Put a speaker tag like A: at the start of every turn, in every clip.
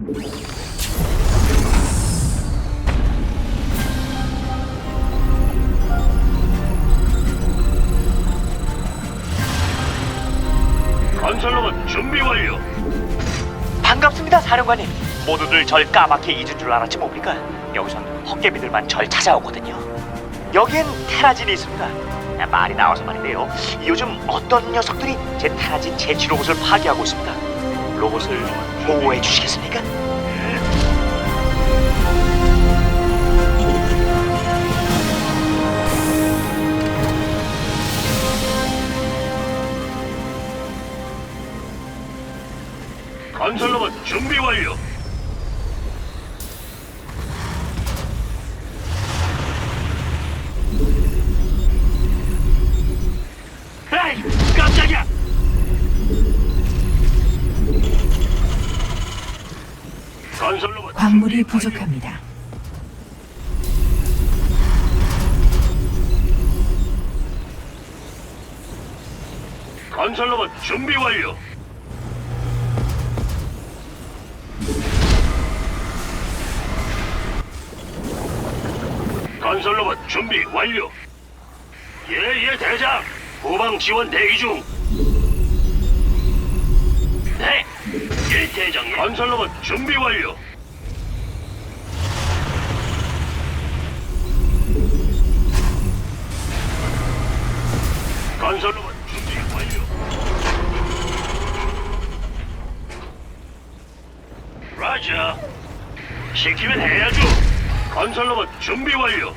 A: 건설로봇 준비 완료.
B: 반갑습니다, 사령관님. 모두들 절 까맣게 잊은 줄 알았지 뭡니까? 여기선 헛개비들만 절 찾아오거든요. 여기엔 테라진이 있습니다. 말이 나와서 말인데요, 요즘 어떤 녀석들이 제 테라진 제치 로봇을 파괴하고 있습니다. 로봇을 보호해 주시겠습니까?
A: 건설로봇 준비 완료. 에이, 깜짝이야. 건설로봇
C: 광물이
A: 준비 완료.
C: 부족합니다.
A: 건설로봇 준비 완료. 건설로봇 준비 완료. 예예 대장. 후방 지원 대기 중. 네. 예 대장님. 건설로봇 준비 완료. 건설로봇 준비 완료. 라자. 시키면 해야죠. 건설로봇 준비 완료.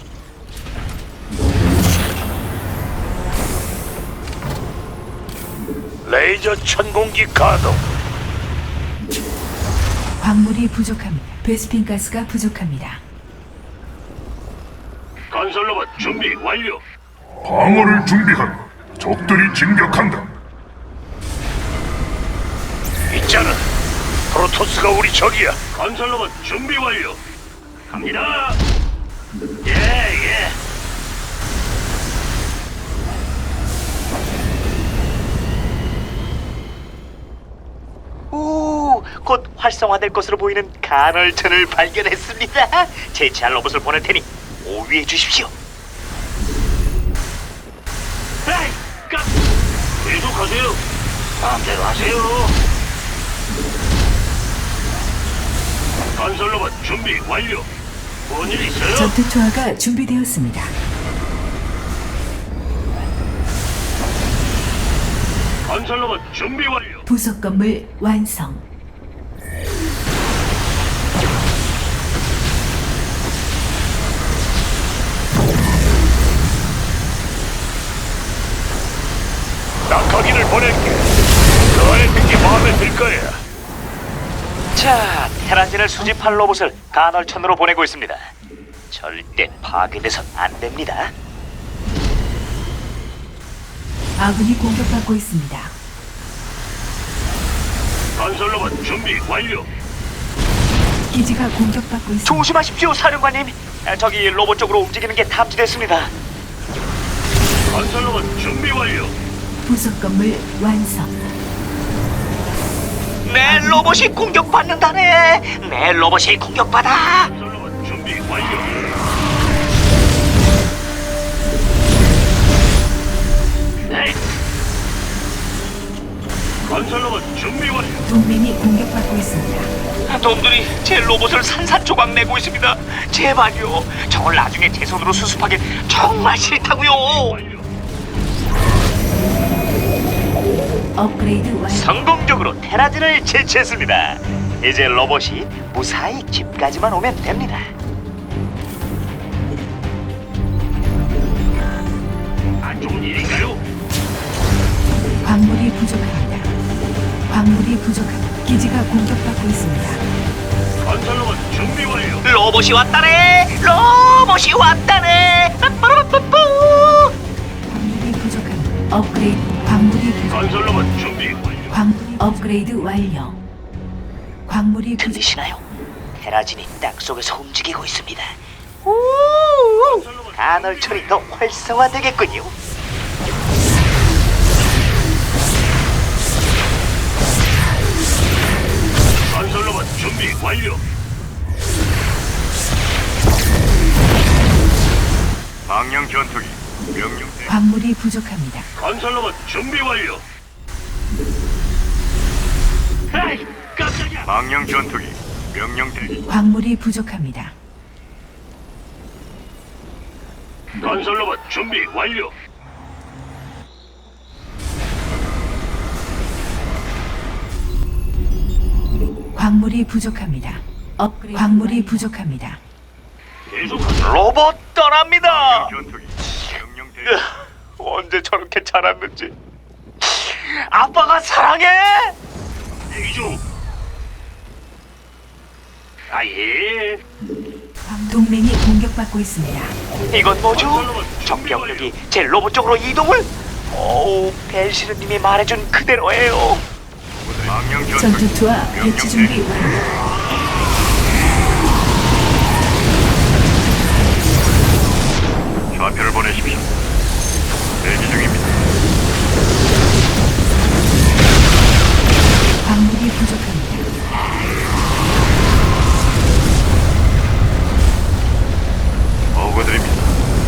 A: 레이저 천공기 가동.
C: 광물이 부족합니다. 베스핀 가스가 부족합니다.
A: 건설로봇 준비 완료.
D: 방어를 준비한다. 적들이 진격한다.
A: 있잖아. 프로토스가 우리 적이야. 건설로봇 준비 완료. 갑니다. 예, 예.
B: 오, 곧 활성화될 것으로 보이는 간헐천을 발견했습니다. 제치할 로봇을 보낼 테니 오위해 주십시오.
A: 에이, 계속하세요. 마음대로 하세요. 건설로봇 준비 완료. 뭔 일 있어요?
C: 전투 투하가 준비되었습니다.
A: 건설로봇 준비 완료.
C: 부속 건물 완성.
A: 낙하기를 보낼게. 그 안에 든게 마음에 들 거야.
B: 자, 테라진을 수집할 로봇을 간헐천으로 보내고 있습니다. 절대 파괴돼선 안 됩니다.
C: 아군이 공격받고 있습니다.
A: 건설로봇 준비 완료.
C: 기지가 공격받고 있습니다.
B: 조심하십시오, 사령관님. 저기 로봇 쪽으로 움직이는 게 탐지됐습니다.
A: 건설로봇 준비 완료.
C: 부속 건물 완성.
B: 내 로봇이 공격받는다네. 내 로봇이 공격받아.
A: 건설로봇 준비 완료. 네. 건설로봇 준비 완료.
C: 동맹이 공격받고 있습니다.
B: 놈들이 제 로봇을 산산조각 내고 있습니다. 제발요. 저걸 나중에 제 손으로 수습하기 정말 싫다고요.
A: 완료.
C: 업그레이드 완료.
B: 성공적으로 테라진을 제치했습니다. 이제 로봇이 무사히 집까지만 오면 됩니다.
A: 안 좋은 일인가요?
C: 광물이 부족합니다. 광물이 부족합니다. 기지가 공격받고 있습니다.
A: 건설로봇 준비 완료.
B: 로봇이 왔다네. 로봇이 왔다네. 빠빠라빠뿌.
C: 광물이 부족합니다. 업그레이드. 광물이 부족.
A: 건설로봇 준비 완료.
C: 업그레이드 완료. 광물이 부족.
B: 들리시나요? 테라진이 땅속에서 움직이고 있습니다. 간헐천이 더 활성화되겠군요.
A: 건설 건설로봇 준비 완료.
D: 망령 전투기 명령 대기.
C: 광물이 부족합니다.
A: 건설로봇 준비 완료. 에이, 깜짝이야.
D: 망령 전투기 명령 대기.
C: 광물이 부족합니다.
A: 건설로봇 준비 완료.
C: 광물이 부족합니다. 광물이 부족합니다.
A: 계속하세요.
B: 로봇 떠납니다.
D: 망령 전투기 명령 대기.
B: 언제 저렇게 자랐는지. 아빠가 사랑해.
A: 대기 중. 아예.
C: 동맹이 공격받고 있습니다.
B: 이건 뭐죠? 적 병력이 제 로봇 쪽으로 이동을? 오, 벨시르님이 말해준 그대로예요.
D: 망령 전투기
C: 전투투와 배치 준비 완료.
D: 좌표를 보내십시오. 대기 중입니다.
C: 광물이 부족합니다.
D: 보고드립니다.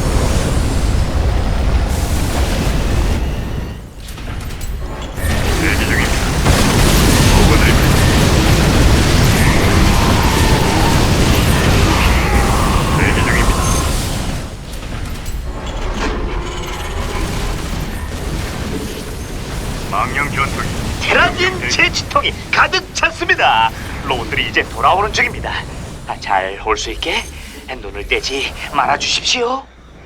D: 대기 중입니다. 보고드립니다. 대기 중입니다. 망령 전투기
B: 테라진 제치통이 가득 찼습니다. 로봇들이 이제 돌아오는 중입니다. 잘 올 수 있게 눈을 떼지 말아 주십시오.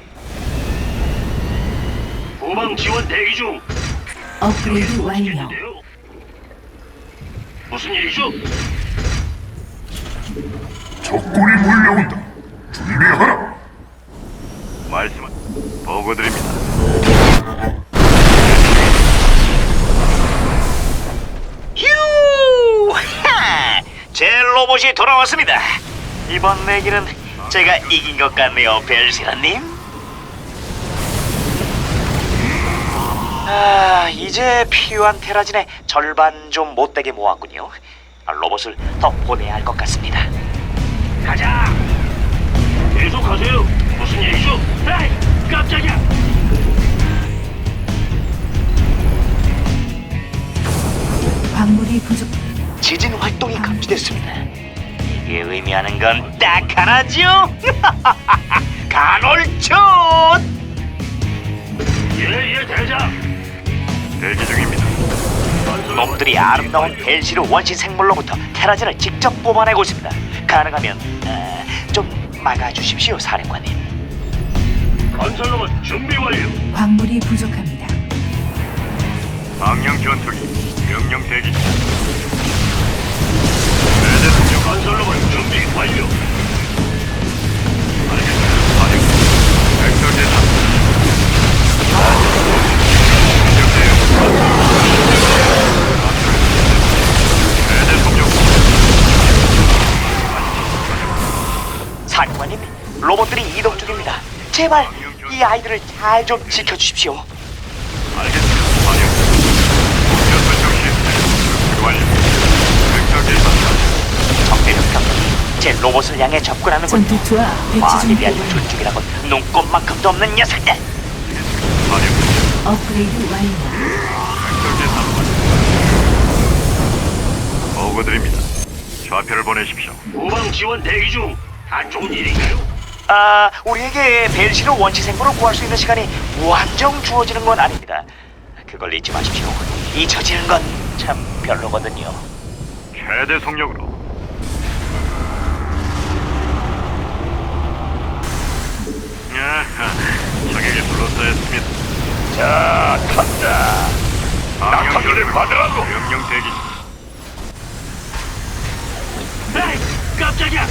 A: 후방 지원 대기 중.
C: 업그레이드 완료.
A: 있는데요. 무슨 일이죠?
D: 적군이 몰려온다. 준비하라. 말씀은 보고드립니다.
B: 휴! 하! 제 로봇이 돌아왔습니다. 이번 내기는 제가 이긴 것 같네요, 벨시라님. 이제 필요한 테라진의 절반 좀 못되게 모았군요. 로봇을 더 보내야 할 것 같습니다.
A: 가자. 계속하세요. 무슨 일이죠? 에이, 깜짝이야.
C: 광물이 부족.
B: 지진 활동이 감지됐습니다. 이게 의미하는 건 딱 하나죠. 간헐촌.
A: 예, 대장.
D: 대기 중입니다.
B: 놈들이 아름다운 벨시르 원시 생물로부터 테라진을 직접 뽑아내고 있습니다. 가능하면 좀 막아주십시오, 사령관님.
A: 건설로봇 준비 완료.
C: 광물이 부족합니다.
D: 망령 전투기 명령 대기.
A: 건설로봇 준비 완료.
D: 벡터 대상.
B: 사령관님, 로봇들이 이동 중입니다. 제발 이 아이들을 잘 좀 지켜주십시오.
D: 알겠습니다. 완료. 목표 설정 시스템 완료. 벡터 대상.
B: 적대적 병력이 제 로봇을 향해 접근하는군요.
C: 전투투와 배치
B: 과학에
C: 준비
B: 대한
C: 완료.
B: 존중이라곤 눈꼽만큼도 없는 녀석들.
D: 완료.
C: 업그레이드 완료.
D: 벡터 대상. 보고드립니다. 좌표를 보내십시오.
A: 후방 지원 대기 중. 안 좋은 일인가요?
B: 우리에게 벨시르 원시 생물을 구할 수 있는 시간이 무한정 주어지는 건 아닙니다. 그걸 잊지 마십시오. 잊혀지는 건 참 별로거든요.
D: 최대 속력으로. 적에게 둘러싸였습니다.
A: 자, 간다. 낙하기를 받으라고.
D: 명령 대기.
A: 에이, 깜짝이야.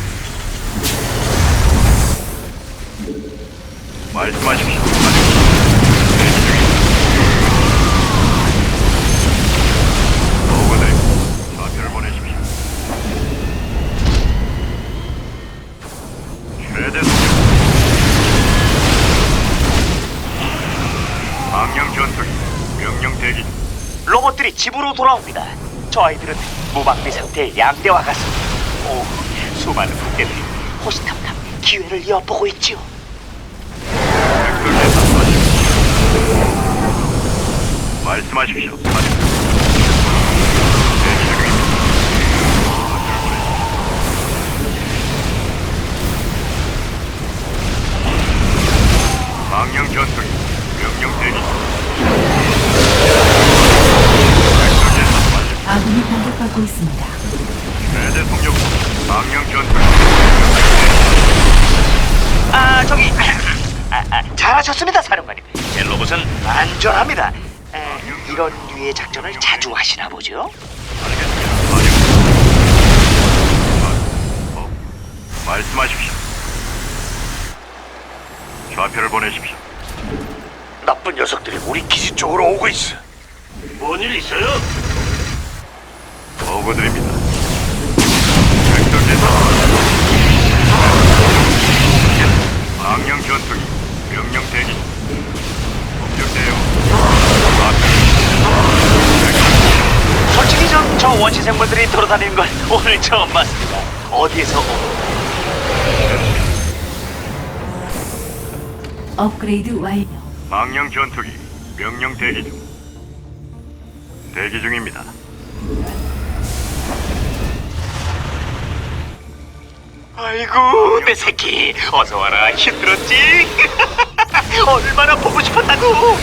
D: 말씀하십시오. 보고드립니다. 좌표를 보내십시오. 최대 속력. 망령 전투기 명령 대기.
B: 로봇들이 집으로 돌아옵니다. 저 아이들은 무방비 상태의 양대와 같습니다. 오, 수많은 군대들이 호시탐탐 기회를 엿보고 있지요.
D: 말씀하십시오. 사령. 대기 중입니다. 망령 전투기 명령 대기.
C: 아군이 공격받고 있습니다.
D: 최대 속력 망령 전투기.
B: 저기 잘하셨습니다, 사령관님. 제 로봇은 안전합니다. 이런 류의 작전을 자주 하시나 보죠?
D: 알겠습니다. 사령. 말씀하십시오. 좌표를 보내십시오.
A: 나쁜 녀석들이 우리 기지 쪽으로 오고 있어. 뭔 일 있어요?
D: 보고드립니다. 백성대사 망령 전투기 명령 대기. 공격 대응.
B: 솔직히 저 원시 생물들이 돌아다니는 걸 오늘 처음 봤습니다. 어디에서
C: 업그레이드 완료.
D: 망령 전투기 명령 대기 중. 대기 중입니다.
B: 아이고 내 새끼 어서 와라. 힘들었지? 얼마나 보고 싶었다고.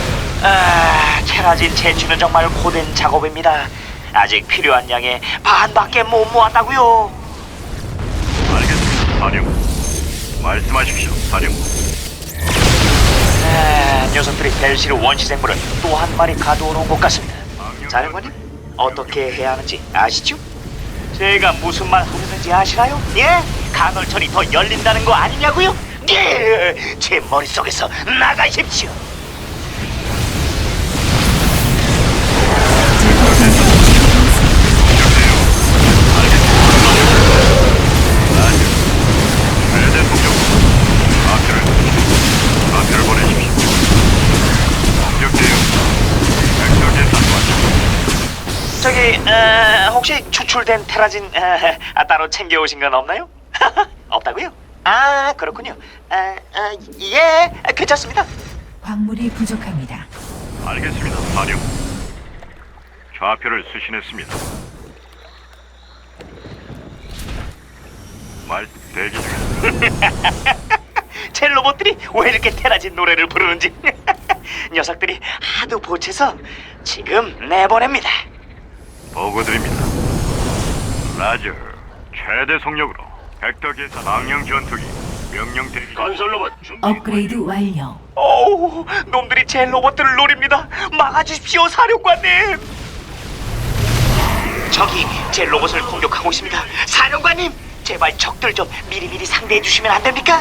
B: 테라진 채취는 정말 고된 작업입니다. 아직 필요한 양의 반밖에 못 모았다고요.
D: 알겠습니다. 사령. 말씀하십시오. 사령.
B: 녀석들이 벨시르 원시 생물을 또 한 마리 가둬놓은 것 같습니다. 사령관님, 어떻게 해야 하는지 아시죠? 제가 무슨 말 하는지 아시나요? 예? 간헐천이 더 열린다는 거 아니냐고요? 예! 제 머릿속에서 나가십시오.
D: 최대 속력. 좌표를 보내십시오. 공격 대응. 백성의 산관.
B: 저기 혹시 추출된 테라진 따로 챙겨오신 건 없나요? 없다고요? 그렇군요. 예, 괜찮습니다.
C: 광물이 부족합니다.
D: 알겠습니다. 사령. 좌표를 수신했습니다. 말 대기 중입니다.
B: 제 로봇들이 왜 이렇게 테라진 노래를 부르는지 녀석들이 하도 보채서 지금 내보냅니다.
D: 보고드립니다. 라저. 최대 속력으로 벡터 계산 망령 전투기 명령 대기.
A: 건설 로봇 준비.
C: 업그레이드 완료.
B: 오우, 놈들이 제 로봇들을 노립니다. 막아주십시오, 사령관님. 적이 제 로봇을 공격하고 있습니다. 사령관님, 제발 적들 좀 미리미리 상대해 주시면 안 됩니까?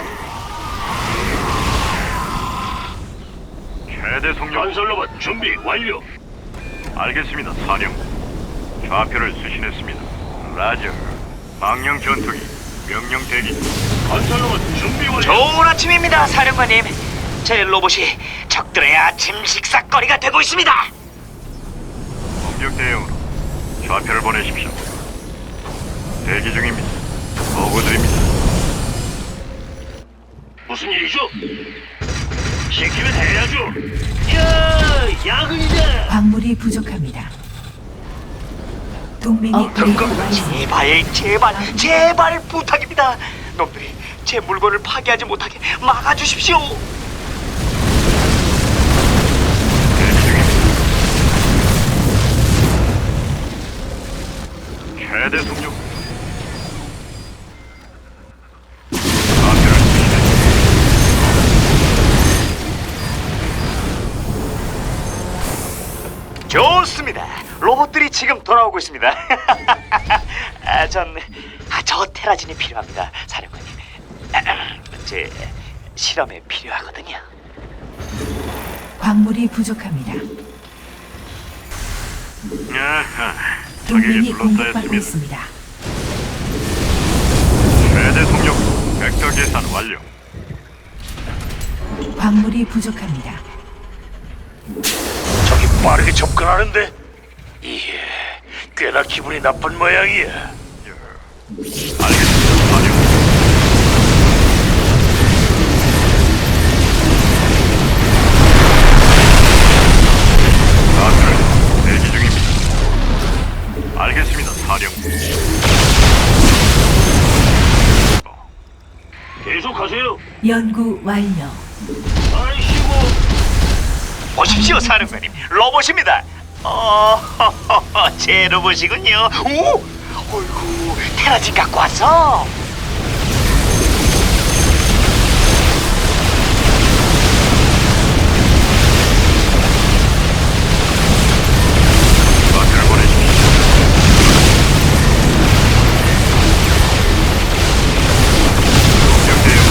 D: 최대 속력.
A: 건설 로봇 준비 완료.
D: 알겠습니다. 사령. 좌표를 수신했습니다. 라저. 망령 전투기 명령 대기.
A: 건설 로봇 준비 완료.
B: 좋은 아침입니다, 사령관님. 제 로봇이 적들의 아침 식사거리가 되고 있습니다.
D: 공격 대응으로 좌표를 보내십시오. 대기 중입니다. 보고드립니다.
A: 무슨 일이죠? 시키면 해야죠. 야, 야근이다.
C: 광물이 부족합니다. 동맹이 업그레이드 완료.
B: 제발 부탁입니다. 놈들이 제 물건을 파괴하지 못하게 막아주십시오.
D: 대기 중입니다. 최대 속력. 좌표를 수신했습니다.
B: 좋습니다. 로봇들이 지금 돌아오고 있습니다. 저 테라진이 필요합니다, 사령관님. 제 실험에 필요하거든요.
C: 광물이 부족합니다.
D: 아하,
C: 동맹이
D: 적에게
C: 공격받고
D: 둘러싸였습니다.
C: 있습니다.
D: 최대 속력 벡터 계산 완료.
C: 광물이 부족합니다.
A: 저기 빠르게 접근하는데. 이게 꽤나 기분이 나쁜 모양이야.
D: 알겠습니다. 사령. 가스를 대기 중입니다. 알겠습니다. 사령.
A: 계속하세요.
C: 연구 완료.
A: 아이씨고.
B: 보십시오, 사령관님. 로봇입니다. 제 로봇이군요. 오, 어이구, 테라진 갖고 왔어.
D: 가스를 보내십시오. 명대요.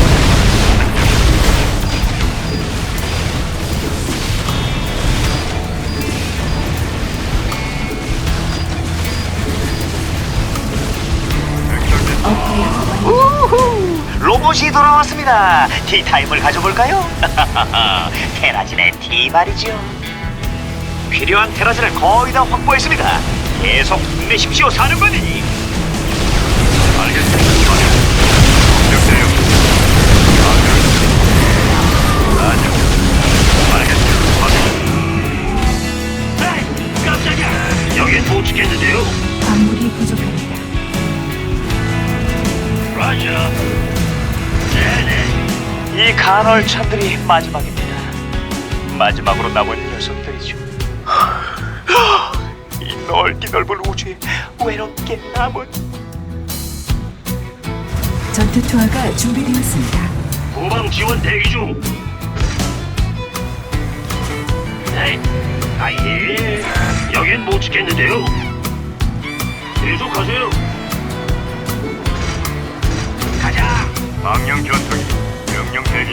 C: 업그레이드 완료.
B: 우후, 로봇이 돌아왔습니다. 티타임을 가져볼까요? 테라진의 티 말이죠. 필요한 테라진을 거의 다 확보했습니다. 계속 힘내십시오, 사령관님.
D: 알겠습니다. 사령. 명대요. 아니요. 알겠습니다. 사령.
A: 에이, 깜짝이야. 여긴 못 지켰는데요.
C: 광물이 부족합니다.
A: 라자. 네네.
B: 이 간헐천들이 마지막입니다. 마지막으로 남은 녀석들이죠. 이 넓은 우주에 외롭게 남은.
C: 전투 투하가 준비되었습니다.
A: 후방 지원 대기 중. 에이, 아예. 여긴 못 지켰는데요. 계속하세요. 가자.
D: 망령 전투기. 명령 대기.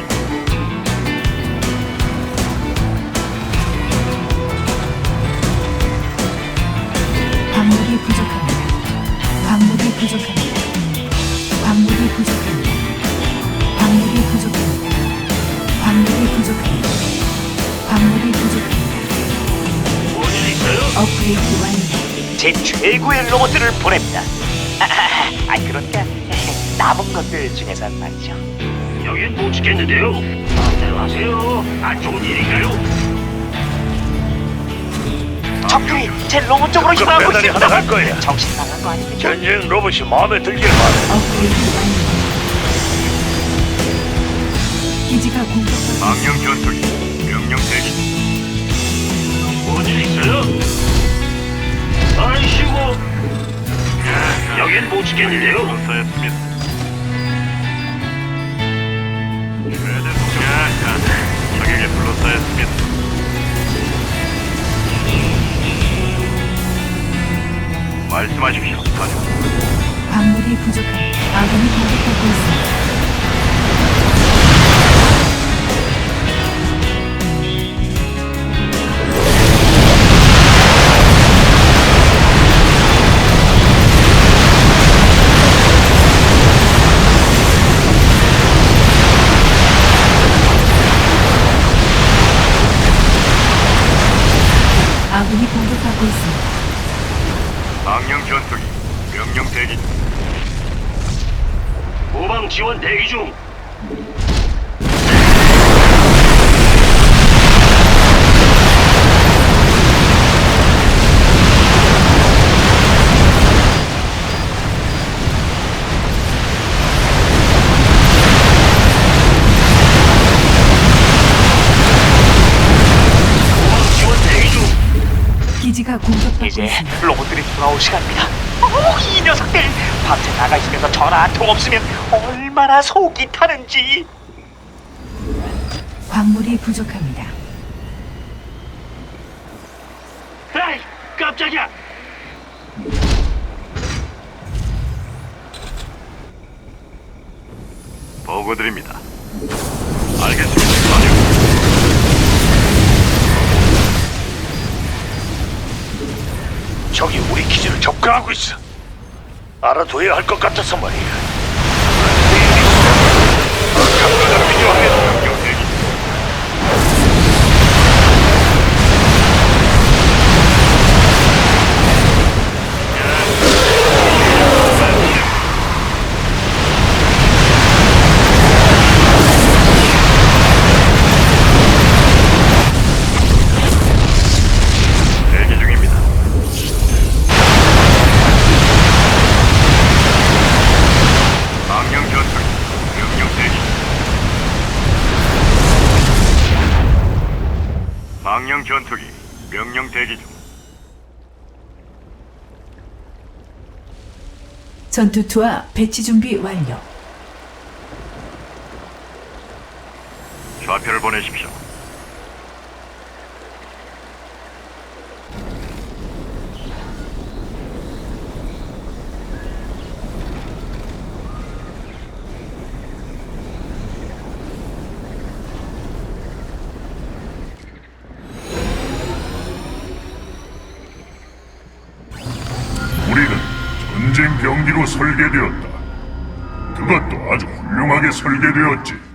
C: 광물이 부족합니다. 광물이 부족합니다. 광물이 부족합니다. 광물이 부족합니다. 광물이 부족합니다. 광물이 부족합니다.
A: 뭔일 있어요?
C: 업그레이드 완료.
B: 제 최고의 로봇들을 보냅니다. 그러니까 남은 것들 중에서 말이죠.
A: 여긴 못 지켰는데요. 마음대로 하세요. 안 좋은 일인가요?
B: 적들이 제 로봇 쪽으로
A: 그
B: 향하고
A: 배달이
B: 있습니다.
A: 하나 갈 거예요.
B: 정신 나간 거 아닙니까?
A: 전쟁 로봇이 마음에 들길 바래.
C: 업그레이드 완료. 기지가 공격받고 있습니다.
D: 망령 전투기. 명령 대기.
A: 뭔일 있어요? 아이씨고. 여긴 못 지켰는데요.
D: 불사했습니다. 최대 속력. 적에게 불러싸였습니다. 말씀하십시오, 사령.
C: 광물이 부족합니다. 아군이 공격받고 있습니다. 아군이 공격받고 있습니다.
D: 망령 전투기. 명령 대기.
A: 후방 지원 대기 중. 후방 지원 대기 중.
C: 기지가 공격받고
B: 이제
C: 있습니다.
B: 로봇들이 돌아올 시간입니다. 이 녀석들 밤새 나가 있으면서 전화 한 통 없으면 얼마나 속이 타는지.
C: 광물이 부족합니다.
A: 에이, 깜짝이야.
D: 보고드립니다. 알겠습니다, 사령.
A: 적이 우리 기지를 접근하고 있어. 알아둬야 할 것 같아서 말이야. 감시가 필요하겠다.
D: 명령 대기. 망령 전투기 명령 대기 중.
C: 전투투와 배치 준비 완료.
D: 좌표를 보내십시오.
E: 우리는 전쟁 병기로 설계되었다. 그것도 아주 훌륭하게 설계되었지.